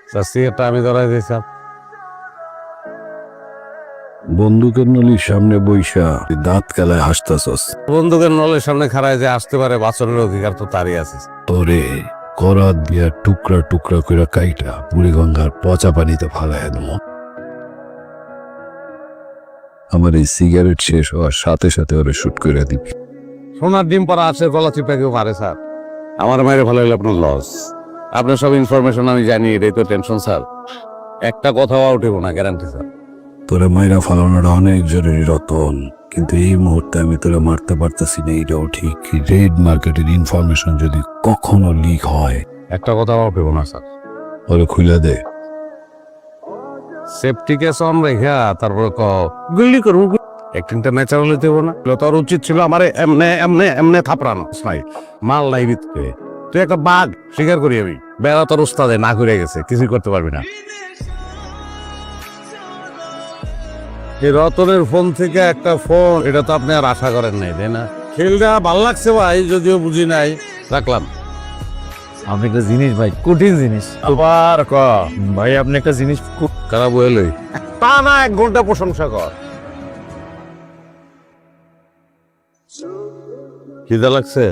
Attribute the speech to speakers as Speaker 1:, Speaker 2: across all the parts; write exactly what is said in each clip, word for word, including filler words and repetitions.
Speaker 1: সিগারেটটা আমি ধরাই দিয়েছিলাম।
Speaker 2: বন্দুকের নলির সামনে বইসা দাঁত কালায় হাসতাছস।
Speaker 1: বন্দুকের নলের সামনে খাড়ায় যে আসতে পারে বাঁচনের অধিকার তো তারই আছে।
Speaker 2: তোরে করাত দিয়া টুকরা টুকরা কইরা কাইটা বুড়িগঙ্গার পচা পানিতে ফালাইয়া দেব। আমার এই সিগারেট শেষ হওয়ার সাথে সাথে ওরে শুট করে দিবি।
Speaker 1: সোনার ডিম পরা আছে, গলা চিপা কেউ পারে স্যার। আমার মায়ের ভালো হলে আপনার লস। আপনার সব ইনফরমেশন আমি জানি, এটাই তো টেনশন স্যার। একটা কথাও উঠেব না, গ্যারান্টি স্যার।
Speaker 2: তোরে মাইরা ফালানোটা অনেক জরুরি রতন, কিন্তু এই মুহূর্তে আমি তোরে মারতে পারতেছি না, এইটাও ঠিক। রেড মার্কেটের ইনফরমেশন যদি কখনো লিক হয়,
Speaker 1: একটা কথাও উঠেব না স্যার।
Speaker 2: ওরে খুলে দে।
Speaker 1: সেফটি কেস অন রেখা তারপরে ক গুলি করবো। অ্যাক্টিংটা ন্যাচারাল হইতে হবে না? তোর উচিত ছিল আমার এমনে এমনে এমনে থাপড়ানো। নাই মাল নাই ভিতরে, তুই একটা বাঘ স্বীকার করি আমি। বেড়া তোর উস্তাদে না ঘুরে গেছে, কিছুই করতে পারবি না। এই রতনের ফোন থেকে একটা ফোন, এটা তো আপনি আর আশা করেন নাই, তাই না? খেলটা ভাল লাগছে ভাই, যদিও বুঝি নাই, রাখলাম।
Speaker 3: আপনি একটা জিনিস ভাই, কঠিন জিনিস।
Speaker 1: আবার ক
Speaker 3: ভাই আপনি একটা জিনিস খুব
Speaker 1: খারাপ হইলই তা না, এক ঘন্টা প্রশংসা কর। খিদা লাগছে?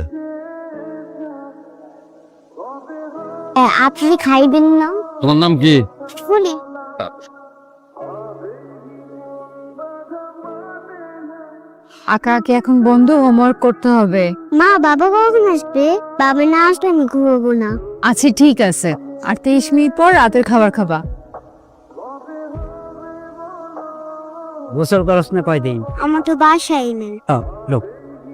Speaker 4: আপনি খাইবেন না?
Speaker 1: তোমার নাম কি?
Speaker 4: ফুলি।
Speaker 5: আঁকাআঁকি এখন বন্ধ, হোমওয়ার্ক করতে হবে।
Speaker 4: মা বাবা কখন আসবে? বাবা না আসলে আমি ঘুমাবো না।
Speaker 5: আচ্ছা ঠিক আছে, আর তেইশ মিনিট পর রাতের খাবার খাবা।
Speaker 3: গোসল করস না কয়দিন?
Speaker 4: আমার তো বাসাই নেই।
Speaker 3: লোক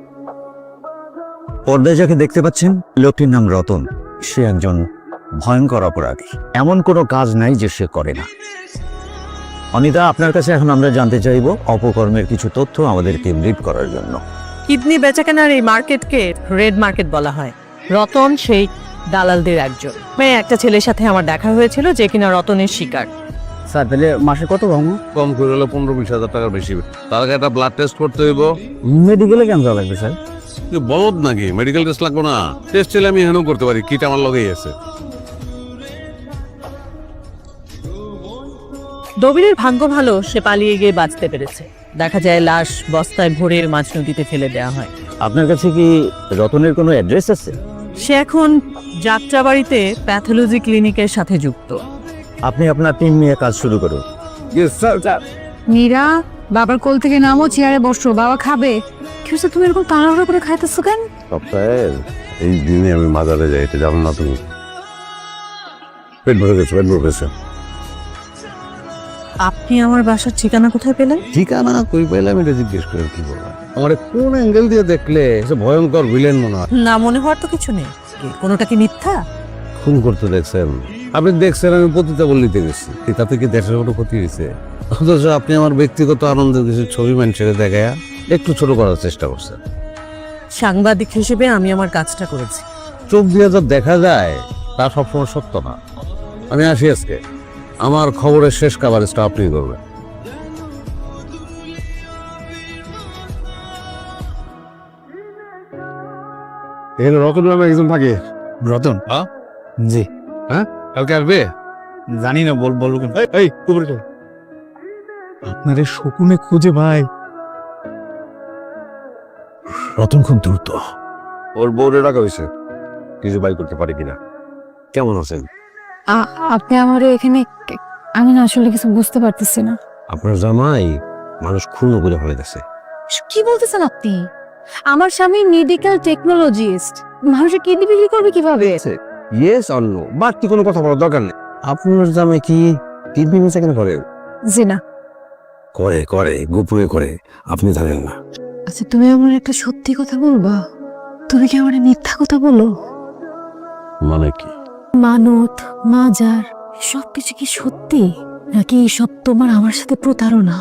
Speaker 3: পর্দায় যাকে দেখতে পাচ্ছেন, লোকটির নাম রতন। সে একজন ভয়ঙ্কর অপরাধী। এমন কোনো কাজ নাই যে সে করে না। অনিতা, আপনার কাছে এখন আমরা জানতে চাইব অপকর্মের কিছু তথ্য আমাদেরকে ব্রিফ করার জন্য।
Speaker 6: কিডনি বেচাকেনার এই মার্কেটকে রেড মার্কেট বলা হয়। রতন সেই দালালদের একজন। মেয়ে একটা ছেলের সাথে আমার দেখা হয়েছিল যে কিনা রতনের শিকার।
Speaker 3: স্যার তাহলে মাসে কত ভাঙো?
Speaker 1: কম করে হলে পনেরো বিশ হাজার টাকার বেশি। তার আগে একটা ব্লাড টেস্ট করতে হইব।
Speaker 3: মেডিকেলে কেন যাওয়া লাগবে স্যার?
Speaker 1: তুই বলদ নাকি? মেডিকেল টেস্ট লাগবো না? টেস্ট চাইলে আমি এখানেও করতে পারি, কিট আমার লগেই আছে।
Speaker 6: দবিরের ভাগ্য ভালো, সে পালিয়ে গিয়ে বাঁচতে পেরেছে। দেখা যায় লাশ বস্তায় ভরে মাঝ নদীতে ফেলে দেওয়া হয়।
Speaker 3: আপনার কাছে কি রতনের কোনো অ্যাড্রেস আছে?
Speaker 6: সে এখন যাত্রাবাড়িতে প্যাথোলজি ক্লিনিকের সাথে যুক্ত।
Speaker 3: আপনি আপনার টিম নিয়ে কাজ শুরু করুন।
Speaker 5: মীরা, বাবার কোল থেকে নামো, চেয়ারে বসো, বাবা খাবে। কি হচ্ছে, তুমি এরকম তাড়াহুড়ো করে খাইতেছো কেন?
Speaker 1: সপ্তাহের এই দিনে আমি মাজারে যাই, এটা জানো না তুমি? পেট ভরে গেছে, পেট ভরে গেছে।
Speaker 6: আপনি আমার বাসার ঠিকানা কোথায় পেলেন?
Speaker 1: ঠিকানা কই পাইলাম এটা জিজ্ঞেস করে কি বলবো? আমার কোন অ্যাঙ্গেল দিয়ে দেখলে সে ভয়ঙ্কর ভিলেন মনে হয়।
Speaker 6: না, মনে হওয়ার তো কিছু নেই। কি, কোনোটা কি মিথ্যা?
Speaker 1: খুন করতে দেখছেন? আপনি দেখছেন আমি পতিতা বললিতে গেছি, তাতে কি দেশের কোনো ক্ষতি হয়েছে? অথচ আপনি আমার ব্যক্তিগত আনন্দের কিছু ছবি মানুষের দেখায় একটু ছোট করার চেষ্টা করছেন।
Speaker 6: সাংবাদিক হিসেবে আমি আমার কাজটা করেছি।
Speaker 1: চোখ দিয়ে যা দেখা যায় তা সবসময় সত্য না। আমি আসি আজকে, আমার খবরের শেষ কাভারেজটা আপনি করবেন। এখানে রতন নামে একজন থাকে।
Speaker 3: রতন?
Speaker 1: হ্যাঁ
Speaker 3: জি।
Speaker 1: হ্যাঁ, কালকে আসবে?
Speaker 3: জানি না, বল বলবো কেন?
Speaker 1: এই কুবরে চল।
Speaker 3: আপনারে শকুনে খুঁজে ভাই। রতন খুব দ্রুত।
Speaker 1: ওর বউরে রাখা হয়েছে, কিছু বাই করতে পারে কিনা। কেমন আছেন?
Speaker 5: আ- আপনি আমার এখানে, আমি না আসলে কিছু বুঝতে পারতেছি না।
Speaker 1: আপনার জামাই মানুষ খুন করে ফেলে গেছে।
Speaker 5: কি বলতেছেন আপনি? আমার স্বামী মেডিকেল টেকনোলজিস্ট, মানুষের কিডনি বিক্রি করবে কিভাবে?
Speaker 1: ইয়েস অর নো, বাড়তি কোনো কথা বলার দরকার নেই। আপনার জামাই কি কিডনি বেচা কেন করে?
Speaker 5: জি না।
Speaker 1: করে করে গোপনে করে, আপনি জানেন না।
Speaker 5: আচ্ছা, তুমি আমার একটা সত্যি কথা বলবা? তুমি কি আমার মিথ্যা কথা বলো?
Speaker 1: মানে কি?
Speaker 5: মানত, মাজার, সবকিছু কি সত্যি, নাকি সব তোমার আমার সাথে প্রতারণা?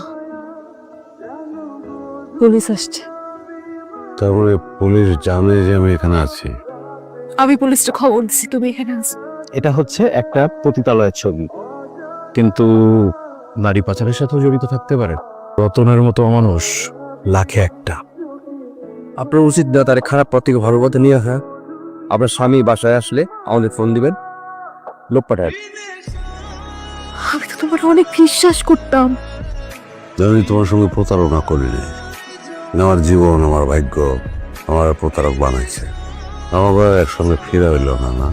Speaker 5: পুলিশ আসছে।
Speaker 1: তারপরে পুলিশ জানে যে আমি এখানে আছি?
Speaker 5: আমি পুলিশটা খবর দিছি তুমি এখানে আছো।
Speaker 3: এটা হচ্ছে একটা পতিতালয়ের ছবি, কিন্তু নারী পাচারের সাথেও জড়িত থাকতে পারে। রতনের মতো মানুষ লাখে একটা।
Speaker 7: আপনার উচিত না তার খারাপ পথ থেকে ভালো পথে নিয়ে আসা। আপনার স্বামী বাসায় আসলে আমাদের ফোন দিবেন, লোক পাঠায়।
Speaker 5: আমি তো তোমার অনেক বিশ্বাস করতাম।
Speaker 1: আমি তোমার সঙ্গে প্রতারণা করিনি। আমার জীবন, আমার ভাগ্য আমার প্রতারক বানাইছে। আমাকে একসঙ্গে ফিরে হইল না না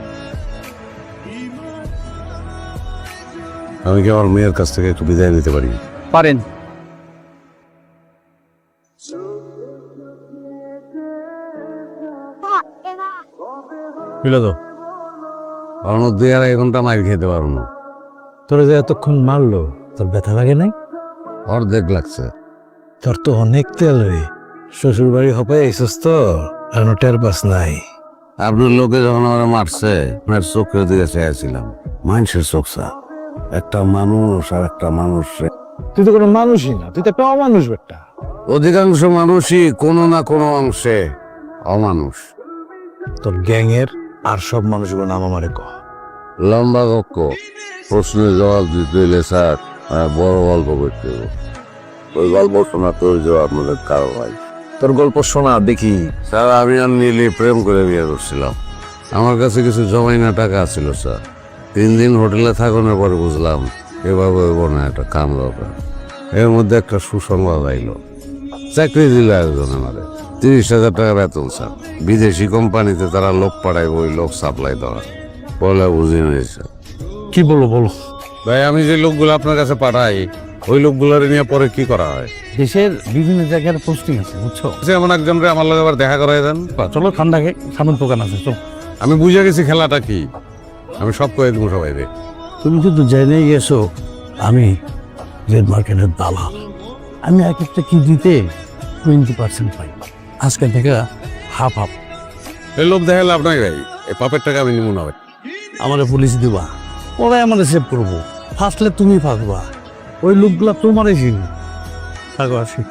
Speaker 1: আমি কি আমার মেয়ের কাছ থেকে একটু বিদায় নিতে পারি?
Speaker 7: পারেন।
Speaker 2: বুঝলো তো,
Speaker 1: কারণ দুই আড়াই ঘন্টা মাইল খেতে পারবো না।
Speaker 2: তোরা যে এতক্ষণ মারলো, তোর ব্যথা লাগে নাই?
Speaker 1: অর্ধেক লাগছে।
Speaker 2: তোর তো অনেক তেল রে, শ্বশুর বাড়ি হপাই আইসস তো, আর টের পাস নাই।
Speaker 1: আপনার লোকে যখন আমার মারছে, আপনার চোখের দিকে চেয়েছিলাম। মানুষের চোখ চা, একটা মানুষ আর একটা মানুষ।
Speaker 2: তুই তো কোনো মানুষই না, তুই তো একটা অমানুষ বেটা।
Speaker 1: অধিকাংশ মানুষই কোনো না কোনো অংশে অমানুষ।
Speaker 2: তোর গ্যাংয়ের আর সব মানুষগুলো নাম আমারে কহ।
Speaker 1: লম্বা কক্ষ, প্রশ্নের জবাব দিতে হইলে স্যার আহ, বড় গল্প করতে হবে। ওই গল্প শোনাতে ওই জবাব আপনাদের কারো ভাই।
Speaker 7: তোর গল্প শোনা দেখি।
Speaker 1: স্যার আমি আর নীলি প্রেম করে বিয়ে করছিলাম। আমার কাছে কিছু জমাইনা টাকা ছিল স্যার। তিন দিন হোটেলে থাকানোর পরে বুঝলাম এভাবে হইব না, একটা কাম দরকার। এর মধ্যে একটা সুসংবাদ আইলো, চাকরি দিল একজন আমাদের, তিরিশ হাজার টাকা বেতন স্যার। বিদেশি কোম্পানিতে তারা লোক পাঠাইব, ওই লোক সাপ্লাই দেওয়া। বলে বুঝি নিয়েছে।
Speaker 2: কি বলো বলো।
Speaker 1: ভাই আমি যে লোকগুলো আপনার কাছে পাঠাই, ওই লোকগুলোর নিয়ে পরে কি করা হয়?
Speaker 2: দেশের বিভিন্ন জায়গার পোস্টিং আছে, বুঝছো?
Speaker 1: যেমন একজন রে আমার লগে আবার দেখা করাই দেন।
Speaker 2: চলো ঠান্ডাকে সামন দোকান আছে, চলো।
Speaker 1: আমি বুঝে গেছি খেলাটা কি, আমি সব করে দেবো সবাই রে।
Speaker 2: তুমি কিন্তু জেনে গেছো আমি রেড মার্কেটের দালাল। আমি এক একটা কেজিতে টোয়েন্টি পার্সেন্ট পাই। আজকে থেকে হাফ হাফ।
Speaker 1: এই লোক দেখালে আপনাকে ভাই, এই পাপের টাকা আমি নিব না ভাই।
Speaker 2: আমারে পুলিশ দিবা, ওরাই আমাদের সেভ করবো। ফাঁসলে তুমি ফাঁসবা, ওই লোকগুলা তোমারই চিনি। থাকো আসি।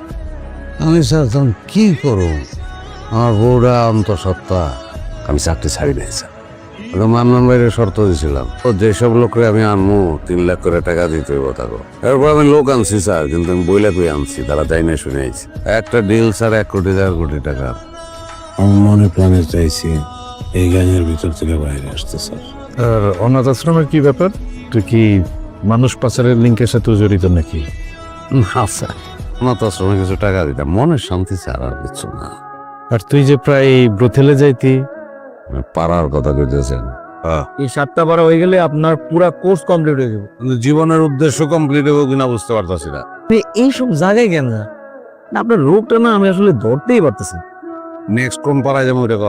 Speaker 1: আমি স্যার তখন কি করব? আমার বউরা অন্তঃসত্ত্বা, আমি চাকরি ছাড়ি নাই স্যার। মান্নান বাইরে শর্ত দিয়েছিলাম, ও যেসব লোকরে আমি আনবো তিন লাখ করে টাকা দিতে হইব তাকে। এরপর আমি লোক আনছি স্যার, কিন্তু আমি বইলা কই আনছি, তারা যাই না শুনে আইছি। একটা ডিল স্যার এক কোটি দেড় কোটি টাকা।
Speaker 2: আমি মনে প্রাণে চাইছি এই গানের ভিতর থেকে বাইরে আসতে স্যার। আর অনাথ আশ্রমের কি ব্যাপার? তুই কি মানুষ পাচারের লিঙ্কের সাথে জড়িত নাকি?
Speaker 1: না স্যার, আমার তো আশ্রমে কিছু টাকা দিতাম, মনের শান্তি স্যার, আর কিছু না।
Speaker 2: আর তুই যে প্রায় ব্রথেলে যাইতি,
Speaker 1: পাড়ার কথা কইতেছেন?
Speaker 7: এই সাতটা বারো হয়ে গেলে আপনার পুরা কোর্স কমপ্লিট হয়ে যাবে।
Speaker 1: কিন্তু জীবনের উদ্দেশ্য কমপ্লিট হবে কিনা বুঝতে পারতাছি না।
Speaker 7: এইসব জায়গায় কেন না? আপনার রোগটা না আমি আসলে ধরতেই পারতেছি।
Speaker 1: নেক্সট কোন পাড়ায় যাবো এটা?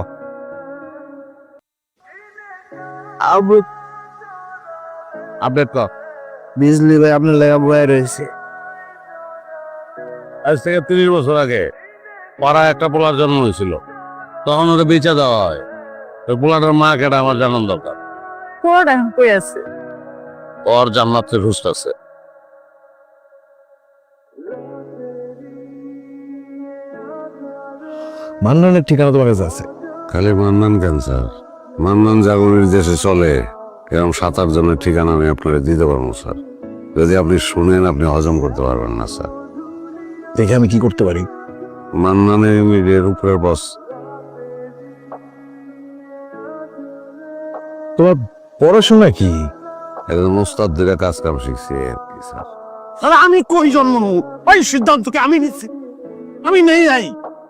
Speaker 1: আপডেট কর।
Speaker 7: বিজলি ভাই আপনার লেগা বয়ে রয়েছে।
Speaker 1: আজ থেকে তিরিশ বছর আগে পাড়ায় একটা পোলার জন্ম হয়েছিল, তখন ওটা বেচা দেওয়া হয়। ওই পোলাটার মা কেটা আমার জানার দরকার।
Speaker 5: পোড়া কই আছে?
Speaker 1: ওর জান্নাতের হুস্ট আছে।
Speaker 2: মান্নানের ঠিকানা তোমার কাছে আছে?
Speaker 1: খালি মান্নান ক্যান্সার, মান্নান জাগরণের দেশে চলে এরকম সাত আট জনের ঠিকানা আমি আপনাকে দিতে পারবো স্যার। যদি আপনি শুনেন আপনি হজম করতে পারবেন না স্যার।
Speaker 2: দেখে আমি কি করতে পারি?
Speaker 1: মান্নানের মিডিয়ার উপরের বস।
Speaker 2: তোমার পড়াশোনা কি?
Speaker 1: একজন ওস্তাদ দিকে কাজ কাম শিখছি আর কি স্যার।
Speaker 2: আমি কই জন্ম নেব? ওই সিদ্ধান্তকে আমি নিচ্ছি, আমি নেই যাই।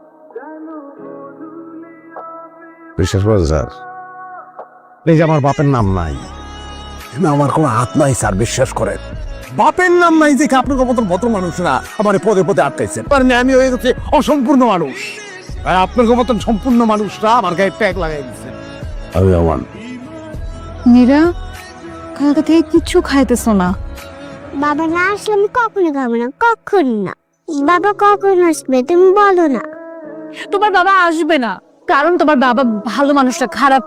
Speaker 1: বিশ্বাস করেন স্যার, এই যে আমার বাপের নাম নাই, আমার কোনো হাত নাই স্যার, বিশ্বাস করেন।
Speaker 2: বাপের নাম নাই যে আপনার মতো ভদ্র মানুষরা আমার পদে পদে আটকাইছেন। পারেন আমি হয়ে গেছি অসম্পূর্ণ মানুষ, আর আপনার মতন সম্পূর্ণ মানুষরা আমার গায়ে ট্যাগ লাগাই দিচ্ছে।
Speaker 1: আমি আমার
Speaker 5: মীরা কালকে থেকে কিচ্ছু খাইতেছো না।
Speaker 4: বাবা না আসলে আমি কখনো খাবো না, কখন না। বাবা কখন আসবে তুমি বলো না।
Speaker 5: তোমার বাবা আসবে না, কারণ তোমার বাবা ভালো মানুষটা খারাপ।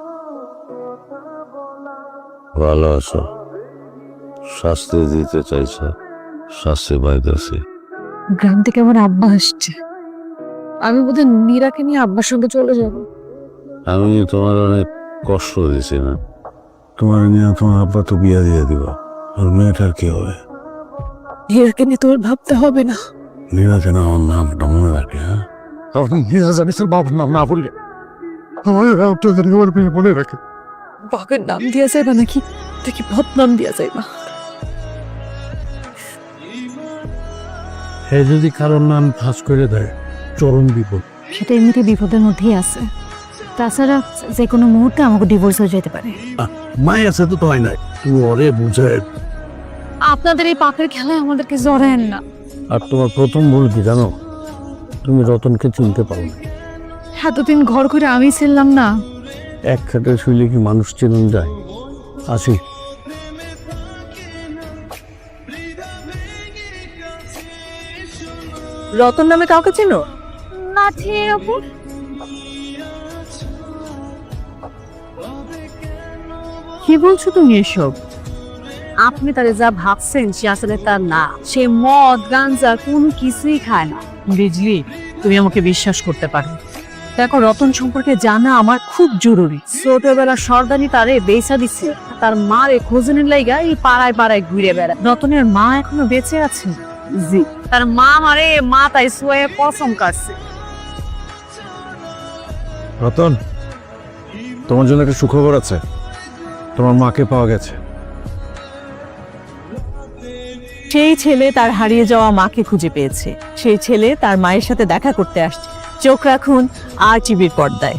Speaker 1: ভালো আছো, শাস্তি দিতে চাইছে, শাস্তি পাইতেছি।
Speaker 5: গ্রাম থেকে আমার আব্বা আসছে, আমি বোধহয় নীরাকে নিয়ে আব্বার সঙ্গে চলে যাব।
Speaker 1: আমি তোমার অনেক কষ্ট দিছি না? তোমার নিয়ে তোমার আব্বা তো বিয়া দিয়ে দিবা, আর মেয়েটার কি হবে?
Speaker 5: নীরাকে নিয়ে তোর ভাবতে হবে না।
Speaker 1: নীরা যেন আমার নামটা মনে রাখে। হ্যাঁ,
Speaker 2: বাবার নাম না বললে আমার মেয়ে মনে রাখে।
Speaker 5: বাবার নাম দিয়ে যাবে নাকি? থেকে বদনাম দিয়া যাইবা।
Speaker 2: হে যদি কারোর নাম ফাঁস করে দেয় চরম বিপদ।
Speaker 5: সেটা এমনিতে বিপদের মধ্যেই আছে, তাছাড়া যে কোনো মুহূর্তে আমাকে ডিভোর্স হয়ে যেতে পারে।
Speaker 2: মাই আছে তো তো হয় নাই, তুই ওরে বুঝায়।
Speaker 5: আপনাদের এই পাপের খেলায় আমাদেরকে জড়ায়েন না।
Speaker 2: আর তোমার প্রথম ভুল কি জানো? তুমি রতনকে চিনতে পারো না।
Speaker 5: এতদিন ঘর করে আমি ছিলাম না।
Speaker 2: এক খাটে শুইলে কি মানুষ চেনেন যায়? আসি।
Speaker 6: রতন নামে কাউকে চেনো?
Speaker 5: না ঠিক আপু,
Speaker 6: কি বলছো তুমি এসব?
Speaker 5: আপনি তারে যা ভাবছেন সে আসলে তার না। সে মদ গাঞ্জা কোনো কিছুই খায় না।
Speaker 6: বিজলি, তুমি আমাকে বিশ্বাস করতে পারো। দেখো, রতন সম্পর্কে জানা আমার খুব জরুরি।
Speaker 5: ছোটবেলা সর্দানি তারে বেচা দিছে, তার মারে খোঁজনের লাইগা এই পাড়ায় পাড়ায় ঘুরে বেড়ায়।
Speaker 6: রতনের মা এখনো বেঁচে আছে?
Speaker 5: জি, তার মা মারে মা তাই সোয়ে কসম কাটছে।
Speaker 2: রতন, তোমার জন্য একটা সুখবর আছে, তোমার মাকে পাওয়া গেছে।
Speaker 6: সেই ছেলে তার হারিয়ে যাওয়া মাকে খুঁজে পেয়েছে। সেই ছেলে তার মায়ের সাথে দেখা করতে আসছে। চোখ রাখুন আর টিভির পর্দায়।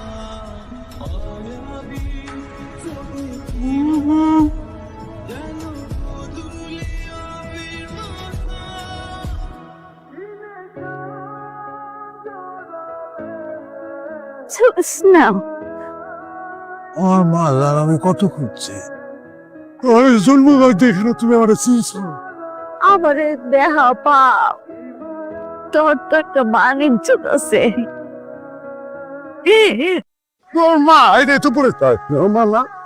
Speaker 5: না
Speaker 2: আমার মা আর আমি কত খুঁজছি, আমি জন্ম দেখলো তুমি আমার চিনছো।
Speaker 5: আমারে দেহা পাও, তোর তো একটা বাণিজ্য আছে।
Speaker 2: তোর মা এই তো পড়ে মা না